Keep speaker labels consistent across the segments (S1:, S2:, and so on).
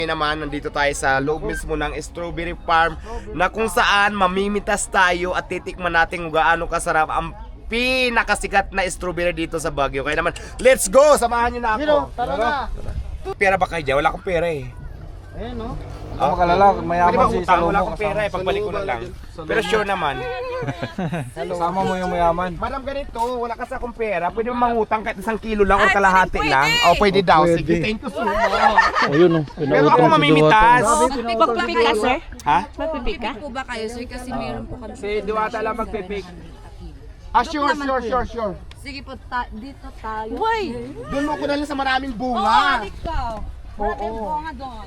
S1: Naman, nandito tayo sa loob mismo ng strawberry farm na kung saan mamimitas tayo at titikman natin kung gaano kasarap ang pinakasikat na strawberry dito sa Baguio. Kaya naman, let's go! Samahan nyo na ako.
S2: Tara na.
S1: Pera ba kayo dyan? Wala akong pera eh.
S2: Ayan no.
S3: Ako makalala,
S1: Pwede
S3: mayaman
S1: ba
S3: si
S1: utang?
S3: Salomo.
S1: Wala akong pera eh. Pagbalik ko na lang. Pero sure naman.
S3: Kasama mo yung mayaman.
S1: Madam, ganito, wala kasi akong pera. Pwede mo mangutang kahit 1 kilo lang o kalahati lang. O pwede daw. Sige, thank you so much.
S3: Ayun oh.
S1: Pero ako mamimitas.
S4: Magpipik ka, sir?
S1: Ha?
S4: Magpipik ka?
S5: Po ba kayo, sir? Kasi meron po kami.
S3: Si Diwata lang magpipik.
S1: Ah, sure.
S5: Sige po, dito tayo.
S4: Uy!
S1: Doon mo ko na lang sa maraming
S5: Oo,
S1: bunga.
S5: ikaw. Maraming bunga doon.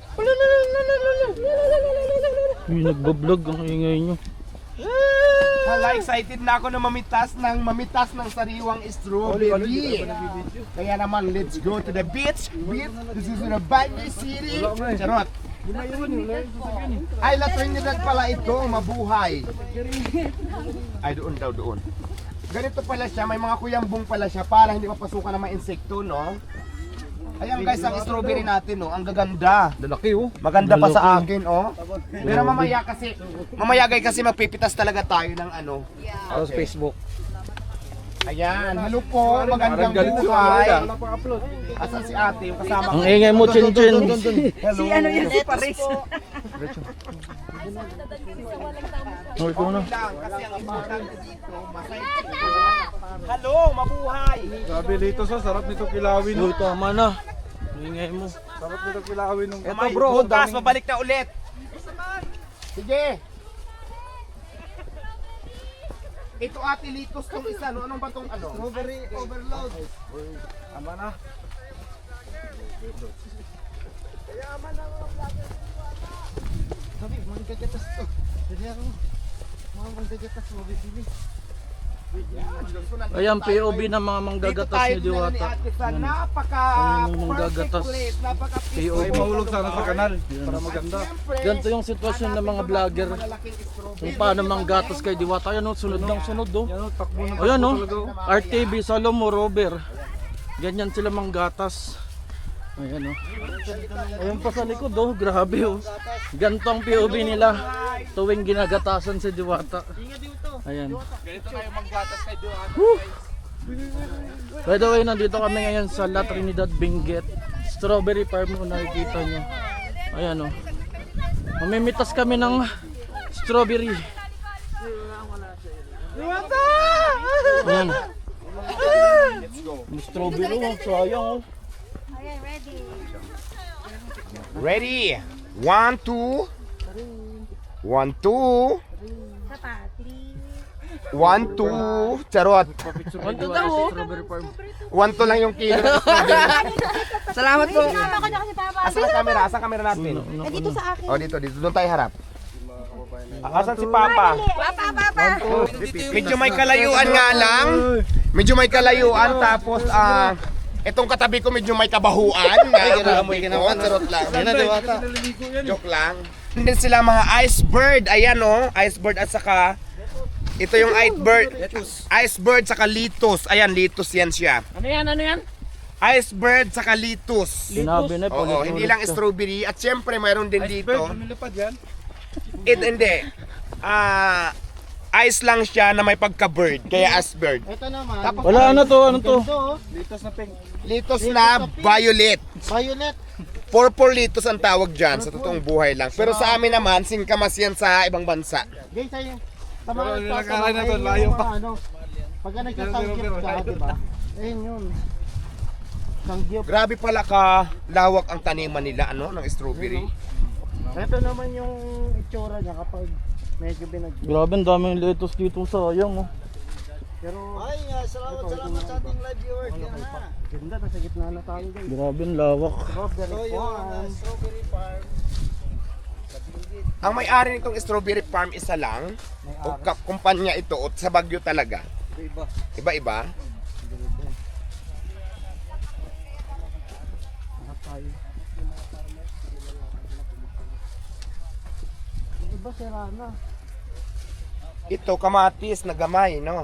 S3: Yung nagbablog ang ingay nyo.
S1: Hala, excited na ako na mamitas ng sariwang strawberry. Kaya naman, let's go to the beach. This is the Baguio City. Charot. Ay, La Trinidad pala ito, mabuhay. Ay, doon. Ganito pala siya, may mga kuyambong pala siya para hindi mapasukan ng mga insekto, no? Ayan guys, ang strawberry natin, no? Ang gaganda.
S3: Lalaki oh.
S1: Maganda pa sa akin, oh. Pero mamaya guys kasi magpipitas talaga tayo ng ano.
S3: Sa Facebook.
S1: Ayan, hello po, magandang buhay. Asan si ate, yung kasama ko?
S3: Ang ingay mo, Chin Chin.
S1: Hello.
S4: Si Paris.
S3: Oh, ikaw na.
S1: Lang, kasi ang importante dito, masaya. Hello, mabuhay.
S3: Sabi dito sa sarap nito kilawin. Uy, tama na. Ingay mo. Sarap nito kilawin ng.
S1: Ito bro, bukas, babalik na ulit. Sige. Ito ate litos tong isa, no? Anong ba tong ano?
S2: Strawberry overload.
S3: Tama na.
S2: Sabi, magkagatas to. Jadi ako. Mga magkagatas mo bibili.
S3: Ayan, POV ng mga manggagatas ni Diwata.
S1: Yan.
S3: Ang manggagatas. POV.
S2: Mahulog sana sa kanal. Para maganda.
S3: Ganito yung sitwasyon ng mga vlogger. Kung paano manggatas kay Diwata. Ayan o, sunod ng sunod o.
S2: Yan o, takbo na.
S3: Ayan o, RTV, Salomo, Robert. Ganyan sila manggatas. Ayan o. Ayan pa sa likod o, grabe o. Ganito ang POV nila tuwing ginagatasan si Diwata. Ayan.
S1: Ganito tayo manggatas kay Diwata.
S3: By the way, nandito kami ngayon sa La Trinidad, Benguet. Strawberry farm kung nakikita nyo. Ayan o. Mamimitas kami ng strawberry. Ayan. Yung strawberry o, sayang o.
S1: Ready? 1, 2. 1, 2. 1, 2. Charot.
S3: Strawberry farm.
S1: 1, 2 lang yung kilo ng strawberry.
S4: Salamat po.
S1: Asan ang camera? Asan ang camera natin?
S4: Dito sa akin.
S1: Oh, dito. Doon tayo harap. Asan si Papa?
S4: Papa.
S1: Medyo may kalayuan nga lang. Medyo may kalayuan tapos itong katabi ko medyo may kabahuan. Charot lang. Joke lang. Hindi sila mga iceberg. Ayan oh, iceberg at saka ito yung iceberg saka litos. Ayan, litos yan siya.
S4: Ano yan?
S1: Iceberg saka litos.
S3: Sinabi na po.
S1: Oo, hindi lang strawberry. At syempre mayroon din dito.
S2: Lumilipad yan.
S1: Hindi. Ice lang siya na may pagka-bird. Kaya iceberg.
S2: Ito naman.
S1: Tapos
S3: Wala, ano to? Ano to?
S2: Ito oh.
S3: Litos na pink.
S1: litos na violet.
S2: Violet.
S1: Purple litos ang tawag dyan sa totoong buhay lang. Pero sa amin naman, singkamas yan sa ibang bansa.
S2: Guys, ayun. Sa mga
S3: Pero
S2: nagtatanong,
S3: nilakaran na to,
S2: ayun
S3: layo
S2: yung
S3: pa.
S2: mga ano. Pagka nagsasanggip ka, diba? Ayun yun. Sanggip.
S1: Grabe pala ka lawak ang taniman nila ano ng strawberry.
S2: Ito naman yung itsura niya kapag medyo binagyo.
S3: Grabe, ang daming lettuce dito, sayang oh.
S2: Pero salamat sa ating live viewers. Yan na. Ganda, nasa gitna na tayo guys.
S3: Grabe, ang lawak.
S2: Strawberry farm.
S1: Ang may-ari nitong strawberry farm isa lang. O kumpanya ito o sa Baguio talaga. Iba-iba.
S2: Iba sira na.
S1: Ito kamatis na gamay, no?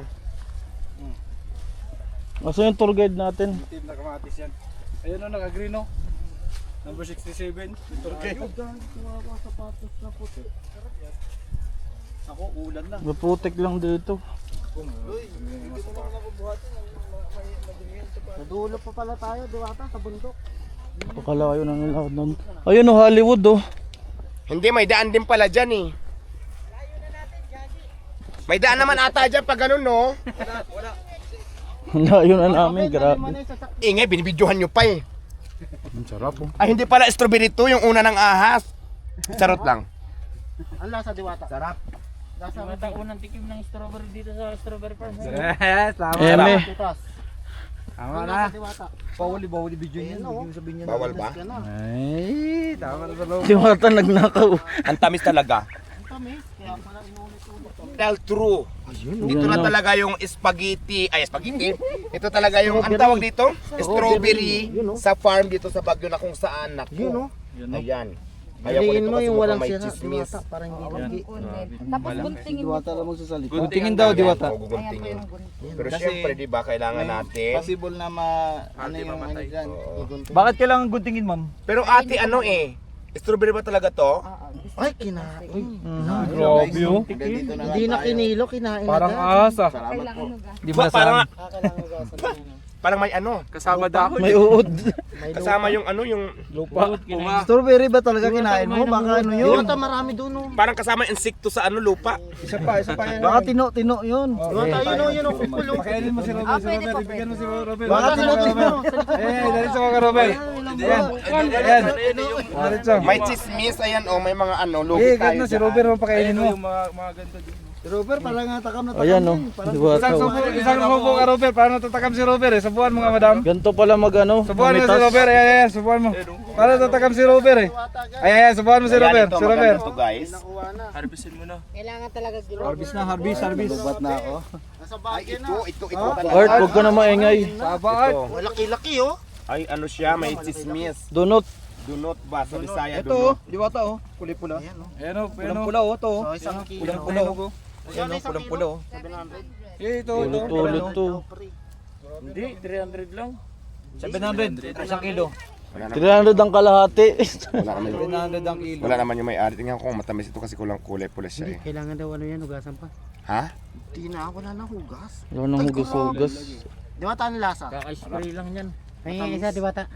S3: Asa yung tour guide natin?
S2: Team na kamatis yan. Ayun o, naka-green o. Number 67. Okay. Ako, ulan lang.
S3: Maputik lang dito.
S2: Nadulo pa pala tayo, diwata, sa bundok.
S3: Pakalayo na ng lahat nun. Ayun oh, Hollywood oh.
S1: Hindi, may daan din pala dyan eh. May daan naman ata dyan pag ganun, no?
S3: Layo na namin, grabe.
S1: Ingay, binibidyohan nyo pa eh.
S3: Ang sarap oh.
S1: Ay, hindi pala strawberry to, yung una ng ahas. Charot lang.
S2: Ang lasa, diwata. Sarap. Lasa,
S4: Unang tikim ng strawberry dito sa strawberry farm.
S3: Eme.
S2: titas.
S6: Tama na.
S2: Diwata.
S6: Bawali video
S2: Ayan,
S6: niya.
S2: oh.
S6: Hindi mo sabihin niya.
S1: Bawal ba?
S2: Yan na.
S6: Ay, tama na sa loob.
S3: Diwata nagnakaw.
S1: Ang tamis talaga.
S2: Ang tamis, kaya pala inulit-ulit.
S1: Well, true. Ito na
S3: Yan,
S1: talaga yung spaghetti. Ay, spaghetti. Ito talaga yung, ang tawag dito? Strawberry sa farm dito sa Baguio na kung saan. Naku.
S2: Yun, oh.
S1: Ayan. Ayaw ko
S2: Piliin
S1: nito
S2: mo
S1: kasi
S2: yung walang
S1: may
S2: sira,
S1: chismis.
S2: diwata, para hindi lagi.
S5: Tapos guntingin mo.
S2: Diwata lang magsasalita.
S6: Guntingin daw, diwata.
S1: Oo, guguntingin. Pero
S6: Kasi-
S1: syempre, di ba, kailangan natin.
S6: Possible na ano yung ano dyan.
S2: Bakit?
S6: kailangan guntingin, ma'am?
S1: Pero ate, ano eh? Strawberry ba talaga to?
S2: Ay, kinain.
S3: Grabe oh.
S2: Hindi na kinilo, kinain
S6: Parang
S2: agad.
S6: asa.
S5: Kailangan nuga.
S6: Di
S1: Ba, parang,
S2: Kailangan gasan.
S1: parang may ano.
S6: Kasama dahon.
S3: May uod.
S1: Kasama yung ano, yung
S3: Lupa.
S6: Strawberry ba talaga kinain mo? Baka ano
S2: Diwata, marami doon, oh.
S1: parang kasama insekto sa ano, lupa.
S6: Isa pa yan.
S2: Baka tino yun. Diwata, yun, oh, kukulo.
S6: Pakainin mo si Robert, si Robert. Ibigyan mo si Robert.
S2: Baka tino.
S6: Diretso ka, Robert. Ayan. Diretso.
S1: May chismis, ayan oh, may mga ano, lugi
S6: Eh,
S1: tayo.
S6: ganda si Robert, pakainin mo.
S2: Si Robert, parang natakam na takam.
S3: Ayan oh. Diwata oh.
S6: Isang subo ka, Robert. Paano tatakam si Robert? Subuan mo nga, madam.
S3: Ganto pala magano.
S6: Subuan mo si Robert. Ayan, subuan mo. Paano tatakam si Robert eh? Ayan, subuan mo si Robert. Si Robert.
S1: To, guys.
S5: Kailangan talaga gilo.
S6: Harvest na, harvest.
S2: Lubat na ako. Nasa
S1: Ay,
S2: bagay na.
S1: ito
S3: Art, huwag ka na maingay.
S6: Saba, Art.
S2: Malaki-laki, oh.
S1: Ay, ano siya, may chismis.
S3: Donut.
S1: Dunot ba? Sa Bisaya,
S6: Ito,
S1: dunot.
S6: diwata oh. Kulay-pula.
S2: Ayan, oh.
S6: Ayan oh, pula oh, to.
S2: So, isang kilo.
S6: Pulang-pula oh.
S2: Ayan, oh,
S6: Pulang-pula oh.
S2: 700.
S6: Eh, ito.
S3: Tulot to.
S4: Hindi, 300 lang.
S6: 700. Isang kilo.
S3: 300 ang kalahati.
S1: Wala naman yung,
S6: 700 ang kilo.
S1: wala naman yung may-ari. Tingnan ko kung matamis ito kasi kulang kulay pula siya eh.
S2: Kailangan daw ano yan, hugasan pa.
S1: Ha?
S2: Di na, wala na hugas.
S3: Wala nang hugas-hugas.
S2: Diwata, ano lasa?
S4: Kaka-spray lang yan.
S2: May isa, diwata.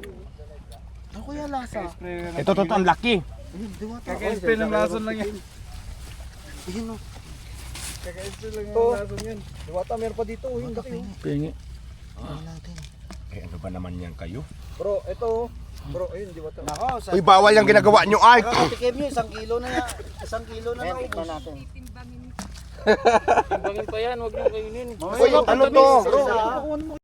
S2: Ano kuya lasa?
S1: Ito, ang laki.
S2: Ayun, diwata.
S6: Kaka-spray ng lason lang yan.
S2: Ayun, oh.
S6: Kaka-spray lang yung lason yan. Diwata, meron pa dito. Yung laki oh.
S3: Pingi.
S2: Ayun natin.
S1: Eh, ano ba naman yan kayo?
S6: Bro, ito oh. Bro, ayun, diwata. Nako,
S1: Uy, bawal yung ginagawa nyo, Art.
S2: Kakatikim nyo, 1 kilo na yan. 1 kilo na lang. Tignan natin.
S4: Timbangin pa yan, huwag nang kainin.
S1: Uy, ano to?
S2: Bro,